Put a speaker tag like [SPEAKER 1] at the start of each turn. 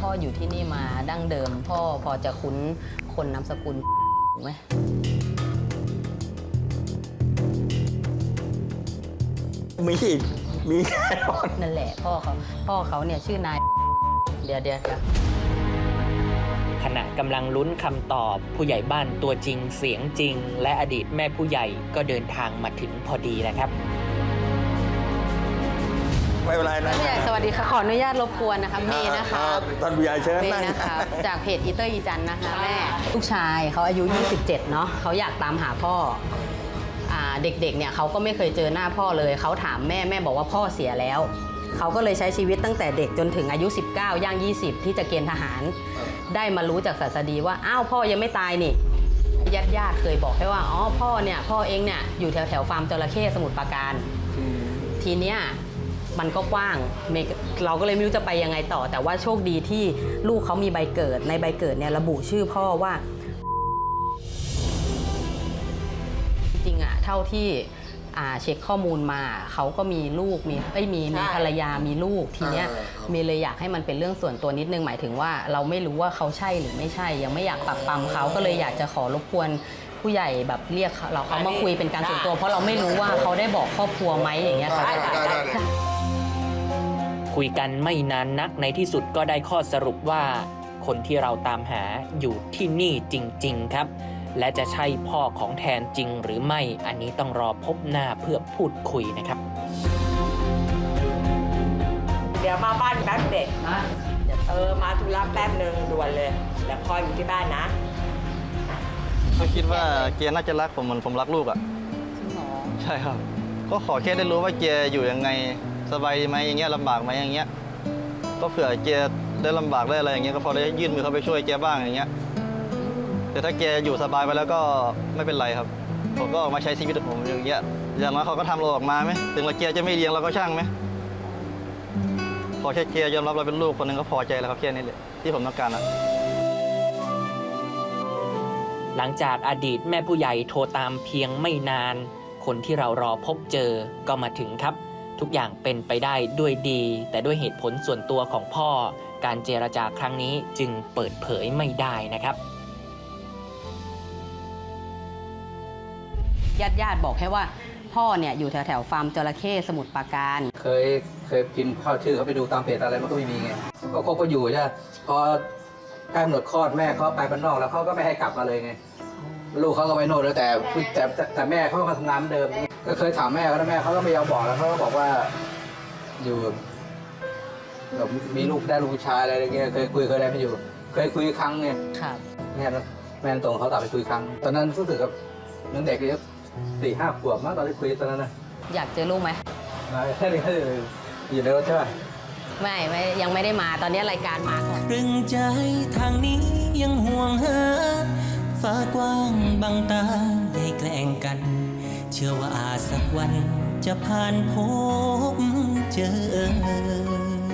[SPEAKER 1] พ่ออยู่ที่นี่มาดั้งเดิมพ่อพอจะคุ้นคนนามสกุลไหม
[SPEAKER 2] มีอีกมีแน่นอน
[SPEAKER 1] นั่นแหละพ่อเขาเนี่ยชื่อนายเดี๋ยว
[SPEAKER 3] ขณะกำลังลุ้นคำตอบผู้ใหญ่บ้านตัวจริงเสียงจริง และอดีตแม่ผู้ใหญ่ก็เดินทางมาถึงพอดีนะครับ
[SPEAKER 2] ไม่เป็นไรนะ
[SPEAKER 1] ผู้ใหญ่สวัสดีค่ะขออนุญาตรบกวนนะคะเมย์นะคะ
[SPEAKER 2] ท่านผู้ใหญ่เชิญ
[SPEAKER 1] เม
[SPEAKER 2] นั่ง
[SPEAKER 1] ย์นะคะจากเพจอีเตอร์อีจันนะคะแม่ลูกชายเขาอายุ 27 เนาะเขาอยากตามหาพ่อเด็กๆเนี่ยเขาก็ไม่เคยเจอหน้าพ่อเลยเขาถามแม่บอกว่าพ่อเสียแล้วเขาก็เลยใช้ชีวิตตั้งแต่เด็กจนถึงอายุ 19 ย่าง 20 ที่จะเกณฑ์ทหารได้มารู้จากศาสดีว่าอ้าวพ่อยังไม่ตายนี่ญาติเคยบอกให้ว่าอ๋อพ่อเองเนี่ยอยู่แถวฟาร์มจระเข้สมุทรปราการทีเนี้ยมันก็กว้างเราก็เลยไม่รู้จะไปยังไงต่อแต่ว่าโชคดีที่ลูกเขามีใบเกิดในใบเกิดเนี่ยระบุชื่อพ่อว่าจริงๆเท่าที่เช็คข้อมูลมาเขาก็มีลูกมีภรรยามีลูกทีเนี้ยมีเลยอยากให้มันเป็นเรื่องส่วนตัวนิดนึงหมายถึงว่าเราไม่รู้ว่าเขาใช่หรือไม่ใช่ยังไม่อยากปักปั๊มเขาก็เลยอยากจะขอรบกวนผู้ใหญ่แบบเรียกเขามาคุยเป็นการส่วนตัวเพราะเราไม่รู้ว่าเขาได้บอกครอบครัวไหมอย่างเงี้ยค่ะ
[SPEAKER 3] คุยกันไม่นานนักในที่สุดก็ได้ข้อสรุปว่า คนที่เราตามหาอยู่ที่นี่จริงๆครับและจะใช่พ่อของแทนจริงหรือไม่อันนี้ต้องรอพบหน้าเพื่อพูดคุยนะครับ
[SPEAKER 4] เดี๋ยวมาบ้านแป๊บเด็กมาธุระแป๊บหนึ่งด่วนเลยแล้วพ่ออยู่ที่บ้านนะ
[SPEAKER 5] ก็คิดว่าเกียร์น่าจะรักผมเหมือนผมรักลูกอ่ะใช่ครับก็ขอแค่ได้รู้ว่าเกียร์อยู่ยังไงสบายดีไหมอย่างเงี้ยลำบากไหมอย่างเงี้ยก็เผื่อเกียร์ได้ลำบากได้อะไรอย่างเงี้ยก็พอได้ยื่นมือเข้าไปช่วยเกียร์บ้างอย่างเงี้ยแต่ถ้าเกียร์อยู่สบายไปแล้วก็ไม่เป็นไรครับผมก็ออกมาใช้ชีวิตของผมอย่างเงี้ยอย่างน้อยเขาก็ทำเราออกมาไหมถึงเราเกียร์จะไม่เลี้ยงเราก็ช่างไหมพอแค่เกียร์ยอมรับเราเป็นลูกคนหนึ่งก็พอใจแล้วครับแค่นี้แหละที่ผมต้องการอ่ะ
[SPEAKER 3] หลังจากอดีตแม่ผู้ใหญ่โทรตามเพียงไม่นานคนที่เรารอพบเจอก็มาถึงครับทุกอย่างเป็นไปได้ด้วยดีแต่ด้วยเหตุผลส่วนตัวของพ่อการเจรจาครั้งนี้จึงเปิดเผยไม่ได้นะครับ
[SPEAKER 1] ญาติบอกแค่ว่าพ่อเนี่ยอยู่แถวฟาร์มจระเข้สมุทรปราการ
[SPEAKER 6] เคยพิมพ์เข้าชื่อเขาไปดูตามเพจอะไรมันก็ไม่มีไงเขาก็อยู่ใช่พอใกล้กำหนดคลอดแม่เขาไปบ้านนอกแล้วเขาก็ไม่ให้กลับมาเลยไงลูกเขาก็ไปโน่นแล้วแต่แม่เขาก็ทำงานเดิมก็เคยถามแม่เขาแล้วแม่เขาก็ไม่ยอมบอกแล้วเขาก็บอกว่าอยู่แบบมีลูกได้ลูกชายอะไรอย่างเงี้ยเคยคุยเคยอะไรไม่อยู่เคยคุยครั้งไง
[SPEAKER 1] ครับ
[SPEAKER 6] แม่ตรงเขาตัดไปคุยครั้งตอนนั้นรู้สึกกับยังเด็กเลย4-5 ขวบมั้งตอนที่คุยตอนนั้นนะ
[SPEAKER 1] อยากเจอลูกไหม
[SPEAKER 6] แค่นี้อยู่ในรถใช่ไหม
[SPEAKER 1] ไม่ยังไม่ได้มาตอนนี้รายการมาก่อน
[SPEAKER 7] รึงใจทางนี้ยังห่วงหาฟ้ากว้างบังตาให้แกล้งกันเชื่อว่าอาจสักวันจะผ่านพบเจอ